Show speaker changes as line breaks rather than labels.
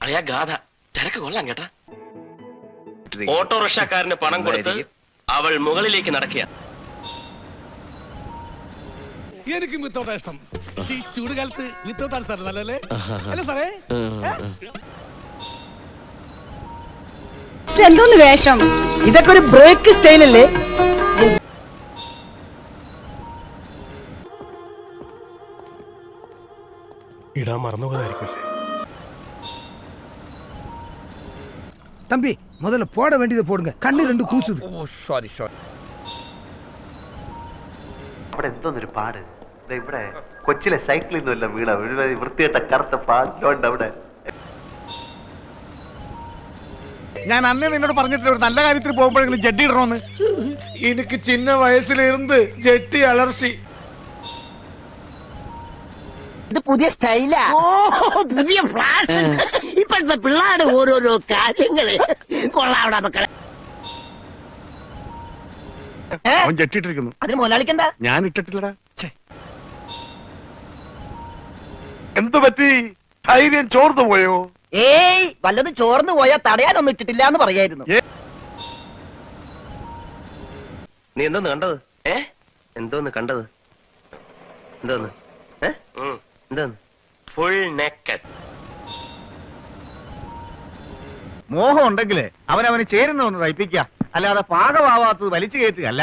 അളിയാ ഗാഥ ചരക്ക് കൊള്ളാം കേട്ടാ. ഓട്ടോറിക്ഷക്കാരന് പണം കൊടുത്ത് അവൾ മുകളിലേക്ക് നടക്കുക.
എനിക്കും വിത്തൗട്ടാ ഇഷ്ടം. ചൂട് കാലത്ത് വിത്തൗട്ടാണ് സാർ നല്ലല്ലേ? അല്ല സാറേ,
എന്തോന്ന് വേഷം?
ഇതൊക്കെ ഒരു ബ്രേക്ക് സ്റ്റൈലല്ലേ?
ഇടാൻ മറന്നുപോയതായിരിക്കുമല്ലേ?
தம்பி முதல்ல போட வேண்டியதை போடுங்க, கண்ணு ரெண்டு கூசுது.
അവിടെ എന്തോന്നൊരു പാട്. ഇവിടെ കൊച്ചിലെ സൈക്കിളിൽ നിന്നല്ല വീണ വൃത്തിയായിട്ട കറുത്ത പാടിലോണ്ട് അവിടെ.
ഞാൻ അന്നേ നിന്നോട് പറഞ്ഞിട്ടില്ല ഒരു നല്ല കാര്യത്തിൽ പോകുമ്പോഴെങ്കിലും ജഡ്ഡി ഇടണമെന്ന്. എനിക്ക് ചിന്ന വയസ്സിലിരുന്ന് ജെട്ടി അലർച്ചി.
ഇത് പുതിയ സ്റ്റൈലാ, പുതിയ ഫ്ലാഷ്. ഇപ്പോഴത്തെ പിള്ളേരുടെ ഓരോരോ കാര്യങ്ങള് കൊള്ളാവിടെ മക്കളെ.
അവൻ ജെട്ടിട്ടിരിക്കുന്നു.
അതിന് മുതലാളിക്കെന്താ?
ഞാൻ ഇട്ടിട്ടില്ലടാ. എന്തു പറ്റി? ധൈര്യം ചോർന്നു പോയോ?
ഏയ്, വല്ലതും ചോർന്നു പോയാ തടയാനൊന്നും ഇട്ടിട്ടില്ല എന്ന് പറയായിരുന്നു.
നീ എന്തോന്ന് കണ്ടത്? എന്തോന്ന് കണ്ടത്? എന്തോന്ന് എന്തോന്ന്?
Full naked.
മോഹം ഉണ്ടെങ്കിലേ അവനവന് ചേരുന്ന ഒന്ന് തയ്പ്പിക്കുക, അല്ലാതെ പാകമാവാത്തത് വലിച്ചു കയറ്റുക അല്ല.